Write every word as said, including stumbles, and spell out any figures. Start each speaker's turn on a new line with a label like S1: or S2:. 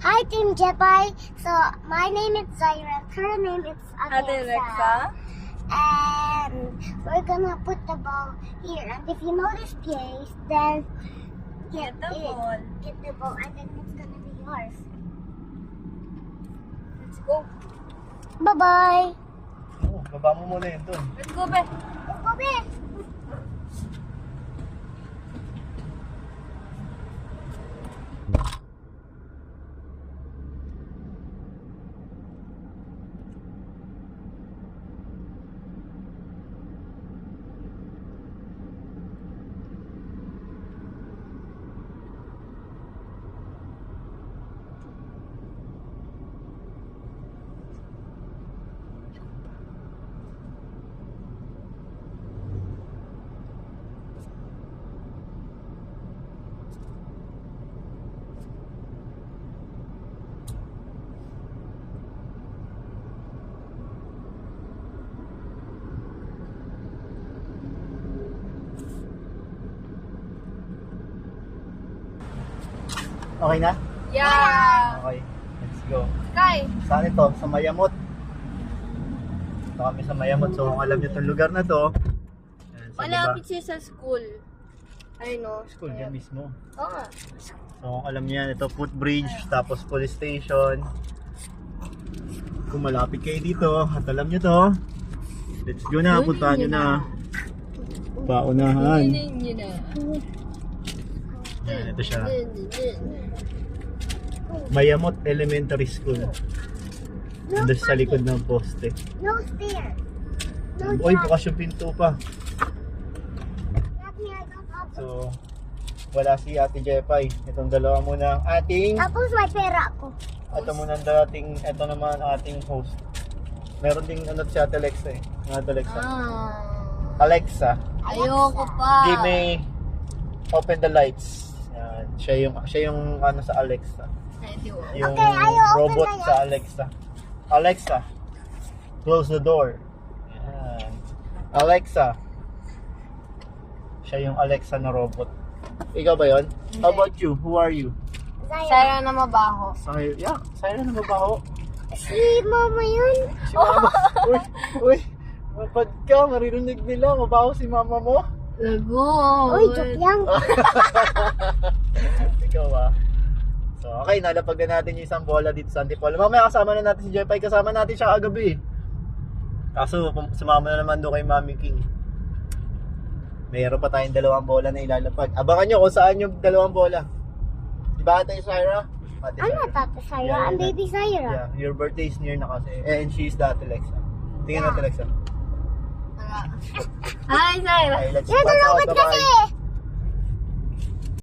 S1: Hi, Team Jepai. So, my name is Zaira. Her name is
S2: Ate
S1: Alexa.
S2: Alexa.
S1: And we're gonna put the ball here. And if you know this place, then get,
S2: Get the
S1: it.
S2: ball.
S1: Get the ball, and then it's gonna be yours.
S2: Let's go.
S1: Bye-bye.
S3: Oh, baba mo muna yun doon.
S2: Let's go, be.
S1: Let's go, Ben.
S3: Okay na?
S2: Yeah.
S3: Okay. Let's go.
S2: Sky.
S3: Saan ito? Sa Mayamot. Ito kami sa Mayamot. So kung alam niyo itong lugar na to, yan, sa
S2: Malapit
S3: baba.
S2: siya sa school. I know.
S3: School yan mismo.
S2: Oo nga.
S3: So kung alam niyo yan, ito footbridge, tapos police station. Kung malapit kayo dito, at alam niyo to, let's go na, puntahan niyo na. Paunahan.
S2: Yun yun na.
S3: Yan, ito siya.
S2: Yun, yun.
S3: Mayamot Elementary School.
S1: No
S3: Nandun sa
S1: parking.
S3: likod ng poste.
S1: No stairs. No
S3: Uy,
S1: jump.
S3: bukas yung pinto pa.
S1: Let me, I don't have-
S3: So, wala si Ate Jepay. Itong dalawa muna ang ating,
S1: Tapos may pera ako.
S3: ito muna ang dating, ito naman ang ating host. Meron ding ano si Ate Alexa eh. Ang Ate Alexa.
S2: Ah.
S3: Alexa,
S2: Ayoko pa.
S3: give me, open the lights. Yan. Siya yung, siya yung ano sa Alexa.
S2: Ay, di ko.
S3: Yung
S1: Okay, ayaw open
S3: robot
S1: the
S3: sa Alexa. Alexa, close the door. Yan. Alexa. Siya yung Alexa na robot. Ikaw ba yun? How about you? Who are you?
S1: Zaira.
S2: Sayang na mabaho.
S3: Sayo, yeah, sayo na mabaho.
S1: Si mama yun.
S3: Si mama. Uy, uy. Mapad ka, maririnig nila. Mabaho si mama mo.
S2: Lago.
S1: Uy, joke lang.
S3: Ikaw ah. So, okay, nalapag na natin yung isang bola dito sa Antipolo. Mamaya kasama na natin si Jepay. Kasama natin siya kagabi. Kaso, pum- sumama na naman doon kay Mami King. Mayroon pa tayong dalawang bola na ilalapag. Abangan nyo kung saan yung dalawang bola. Di ba Ate Syra? Ate
S1: I'm
S3: Syra.
S1: not Tata Zaira.
S3: Yeah,
S1: I'm
S3: yeah.
S1: Baby Zaira.
S3: Yeah, your birthday is near na kasi. Eh, and she's the Ate Alexa. Tingnan natin Alexa.
S2: Hi, Sayra.
S3: Okay, let's
S1: Yan,
S3: pass out.
S1: nalungkot
S3: Bye-bye.
S1: kasi.